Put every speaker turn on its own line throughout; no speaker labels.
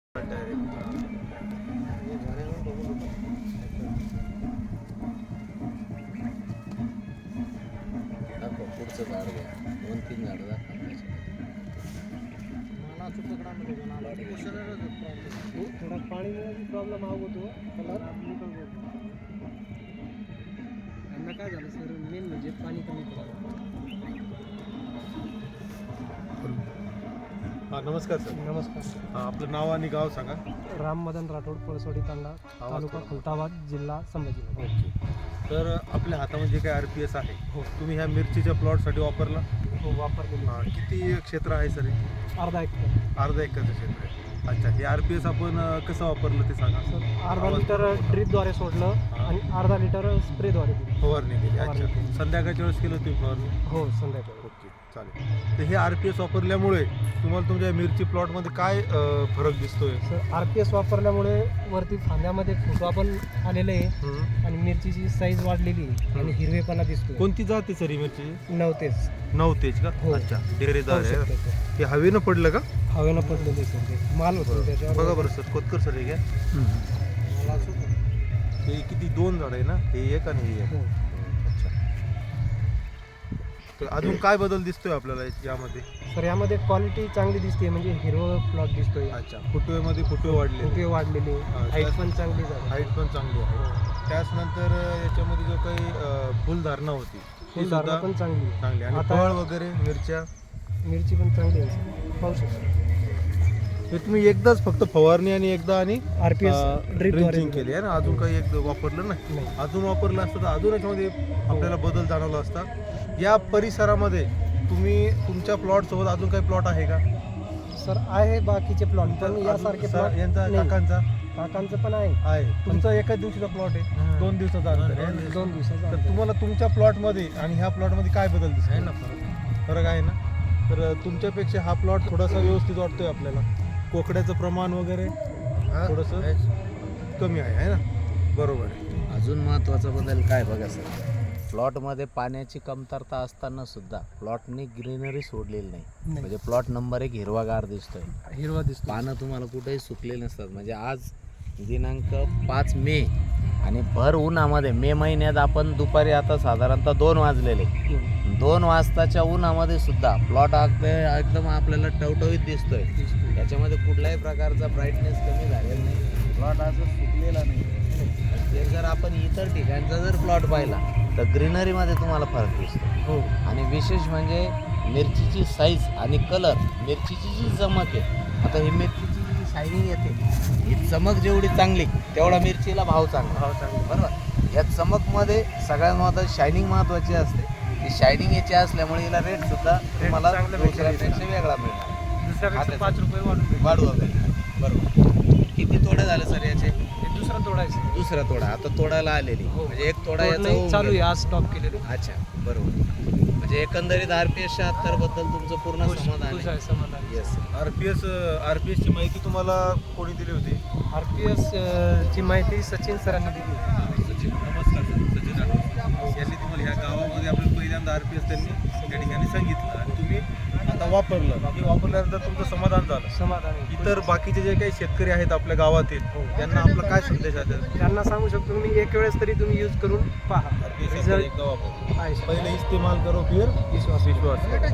पुढचं झाड घ्या, 2-3 झाडं दाखवा.
थोडा पाणी प्रॉब्लेम होतो कलर यांना काय झालं सर, मेन म्हणजे पाणी कमी पडलं.
हां नमस्कार सर.
नमस्कार.
हां आपलं नाव आणि गाव सांगा.
राम मदन राठोड, पळसोडी तांडा, तालुका खुलताबाद, जिल्हा संभाजीनगर.
ओके. तर आपल्या हातामध्ये जे काही RPS आहे
हो.
तुम्ही ह्या मिरचीच्या प्लॉटसाठी वापरला.
हो वापरलेली.
हां किती क्षेत्र आहे सर हे?
अर्धा एकर.
अर्धा एकरचं क्षेत्र आहे. अच्छा, हे RPS आपण कसं वापरलं ते सांगा.
सर अर्धा लिटर ड्रीपद्वारे सोडलं आणि अर्धा लिटर स्प्रेद्वारे दिली.
फवारणी केली.
फवारणी
अच्छा,
केली.
संध्याकाळच्या वेळेस केलं तुम्ही फवारणी.
हो संध्याकाळी.
ओके चालेल. तर हे RPS वापरल्यामुळे तुम्हाला तुमच्या मिरची प्लॉटमध्ये काय फरक दिसतोय?
सर RPS वापरल्यामुळे वरती फांद्यामध्ये फुटवा पण आलेले आहे आणि मिरचीची साईज वाढलेली आहे आणि हिरवेपणा दिसतोय.
कोणती जात आहे सर ही मिरची?
नवतेच.
9 तेज का?
हो.
अच्छा, डेरेदार
पाहू
आहे.
शकता सर.
हे हवेनं पडलं का?
हवेनं पडलेले सर ते माल होतो त्याच्यावर.
बघा बरं सर, खोतकर सर हे घ्या. हे किती 2 झाड आहे ना, हे एक आणि हे एक.
हो.
अच्छा, तर अजून काय बदल दिसतोय आपल्याला यामध्ये?
सर यामध्ये क्वालिटी चांगली दिसते, म्हणजे हिरवं प्लॉट दिसतोय.
अच्छा, फुटवेमध्ये फुटवे वाढले,
फुटवे वाढलेले,
हा,
हाईट
त्यात-
पण चांगली झाली.
हाईट पण चांगली आहे. त्याचनंतर याच्यामध्ये जो काही फुलधारणा होती ती
फुलधारणा
सुद्धा
पण चांगली आहे.
चांगली आणि
आता-
फळ वगैरे मिरच्या
मिरची पण चांगली आहे सर. पाहू शकता.
हे तुम्ही एकदाच फक्त फवारणी आणि एकदा आणि
RPS
ड्रिंचिंग केली आहे ना, अजून काही एक वापरलं नाही.
नाही.
अजून वापरलं असतं तर अजून याच्यामध्ये आपल्याला बदल जाणवला असता. या परिसरामध्ये तुम्ही तुमच्या प्लॉट सोबत अजून काही प्लॉट आहे का
सर आहे बाकीचे प्लॉट पण यासारखे प्लॉट
यांचा
नाही.
काकांचा
पण आहे.
आहे. तुमचा एकाच दिवशीचा प्लॉट आहे, 2 दिवसाचा अंतर आहे.
2 दिवसाचा
तर तुम्हाला तुमच्या प्लॉटमध्ये आणि ह्या प्लॉटमध्ये काय बदल दिसतो?
आहे ना
फरक आहे ना. तर तुमच्यापेक्षा हा प्लॉट थोडासा व्यवस्थित वाटतोय आपल्याला. कोकड्याचं प्रमाण वगैरे थोडंसं कमी आहे ना. बरोबर आहे.
अजून महत्त्वाचा बदल काय बघा सर, प्लॉटमध्ये पाण्याची कमतरता असताना सुद्धा प्लॉटनी ग्रीनरी सोडलेली नाही.
नाही.
म्हणजे प्लॉट नंबर 1 हिरवागार दिसतोय.
हिरवा दिसतो.
पानं तुम्हाला कुठेही सुकलेली नसतात. म्हणजे आज दिनांक 5 मे आणि भर उन्हामध्ये मे महिन्यात आपण दुपारी आता साधारणतः 2 वाजलेले, 2 वाजताच्या उन्हामध्ये सुद्धा प्लॉट एकदम आपल्याला टवटवीत दिसतोय. याच्यामध्ये कुठल्याही प्रकारचा ब्राईटनेस कमी झालेला नाही. प्लॉट असं सुकलेला नाही. ते जर आपण इतर ठिकाणचा जर प्लॉट पाहिला तर ग्रीनरीमध्ये तुम्हाला फरक दिसतो.
हो.
आणि विशेष म्हणजे मिरचीची साईज आणि कलर, मिरचीची जी चमक आहे, आता ही मिरचीची जी शायनिंग येते, ही चमक जेवढी चांगली तेवढा मिरचीला भाव चांगला. बरोबर. या चमकमध्ये सगळ्यात महत्त्वाची शायनिंग महत्त्वाची असते. ही शायनिंग याची असल्यामुळे हिला रेट सुद्धा तुम्हाला दुसऱ्यापेक्षा वेगळा मिळणार.
दुसऱ्यापेक्षा 5 रुपये
वाढू वगैरे. बरोबर. किती तोडे झाले सर याचे?
दुसरा तोडायचं.
दुसरा तोडा आता तोडायला आलेली. म्हणजे एक तोडा याचा
नाही,
होऊन
चालू आहे.
गेला.
आज स्टॉप केलेलं.
अच्छा, बरोबर. म्हणजे एकंदरीत RPS 76 बद्दल तुमचं पूर्ण समाधान
खुश
आहे.
आहे, समाधान.
येस.
RPS ची माहिती तुम्हाला कोणी दिली होती?
RPS ची माहिती सचिन सरांनी दिली.
सचिन, नमस्कार सर. सचिन राठोड यांनी तुम्हाला ह्या गावामध्ये आपल्याला पहिल्यांदा RPS त्यांनी त्या ठिकाणी सांगितलं आणि तुम्ही आता वापरलं. हे वापरल्यानंतर तुमचं समाधान झालं.
समाधान आहे.
इतर बाकीचे जे काही शेतकरी आहेत आपल्या गावातील त्यांना आपला काय संदेश आहे?
त्यांना सांगू शकतो मी, एक वेळेस तरी तुम्ही यूज करून पहा. रिझल्ट
एकदा वापर.
आहे.
पहिले इस्तेमाल करो फिर विश्वास.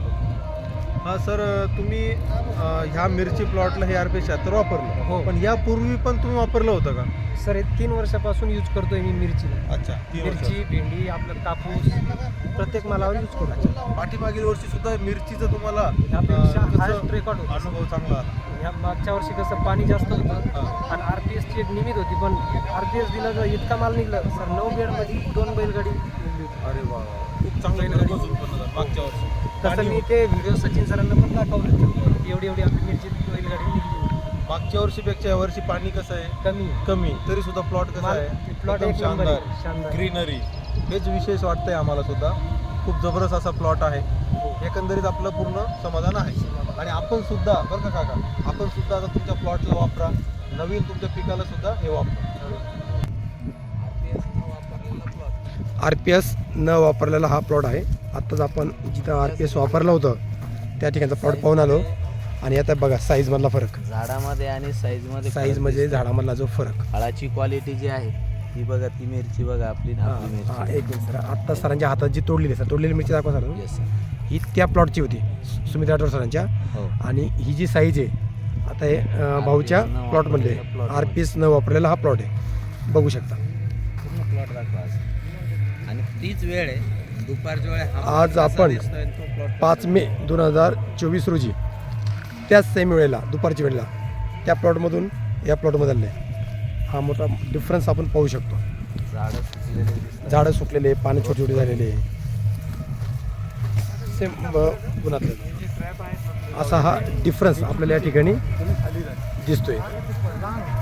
हा सर, तुम्ही ह्या मिरची प्लॉटला हे RPS 76 वापरलं.
हो.
पण यापूर्वी पण तुम्ही वापरलं होतं का?
सर हे 3 वर्षापासून यूज करतोय मी मिरचीला.
अच्छा, 3 वर्ष.
मिरची, भेंडी, आपलं कापूस प्रत्येक मालावर यूज करतो.
पाठीमागील वर्षी सुद्धा मिरचीचं तुम्हाला
यापेक्षा
कसं
हायस्ट रेकॉर्ड होता.
अनुभव चांगला आला.
या मागच्या वर्षी कसं पाणी जास्त होतं आणि RPS ची एक लिमिट होती, पण RPS दिला तर इतका माल निघला सर. 9 बेडमध्ये 2 बैलगाडी निघली होती.
अरे वा, खूप चांगलं घरपोच उत्पन्न झालं मागच्या वर्षी.
तसं मी ते व्हिडिओ सचिन सरांना पण दाखवलं. एवढी आपली मिरची बैलगाडी निघली होती.
मागच्या वर्षीपेक्षा या वर्षी पाणी कसं आहे? कमी. तरी सुद्धा प्लॉट कसा आहे?
प्लॉट
एकदम
एक नंबर आहे.
शानदार.
शानदार.
ग्रीनरी हेच विशेष वाटतंय आम्हाला सुद्धा. खूप जबरदस्त असा प्लॉट आहे. एकंदरीत आपलं पूर्ण समाधान आहे. आणि आपण सुद्धा बरं का काका, आपण सुद्धा आता तुमच्या प्लॉटला वापरा, नवीन तुमच्या पिकाला सुद्धा हे वापरा.
RPS न वापरलेला हा प्लॉट आहे. आत्ताच आपण जिथं RPS वापरलं होतं त्या ठिकाणचा प्लॉट पाहून आलो. आणि आता बघा साईजमधला फरक,
झाडामध्ये आणि साईजमध्ये
साईज म्हणजे झाडामधला जो फरक.
फळाची क्वालिटी जी आहे ती बघा, ती मिरची बघा आपली ना, आपली
हां
मिरची.
एक मिनिट सर, आत्ता सरांच्या हातात जी तोडलेली सर, तोडलेली मिरची दाखवा सर.
Yes sir.
ही त्या प्लॉटची होती सुमित राठोड सरांच्या.
हो.
आणि ही जी साईज आहे आता हे भाऊच्या
RPS न
प्लॉटमधले
वापरलेला plot
RPS न वापरलेला हा प्लॉट आहे, बघू शकता.
पूर्ण प्लॉट दाखवा आज. आणि तीच वेळ आहे दुपारच्या वेळे हा
आज
कसा
आपण
दिसतोय आणि तो plot
5 मे 2024 रोजी त्याच सेम वेळेला दुपारच्या वेळेला त्या प्लॉटमधून या प्लॉटमध्ये आले. हा मोठा डिफरन्स आपण पाहू शकतो.
झाडं सुकलेले दिसतात.
झाडं सुकलेले, पाणी छोटे छोटे झालेले, सेम गुणातलं असा हा डिफरन्स आपल्याला या ठिकाणी दिसतोय.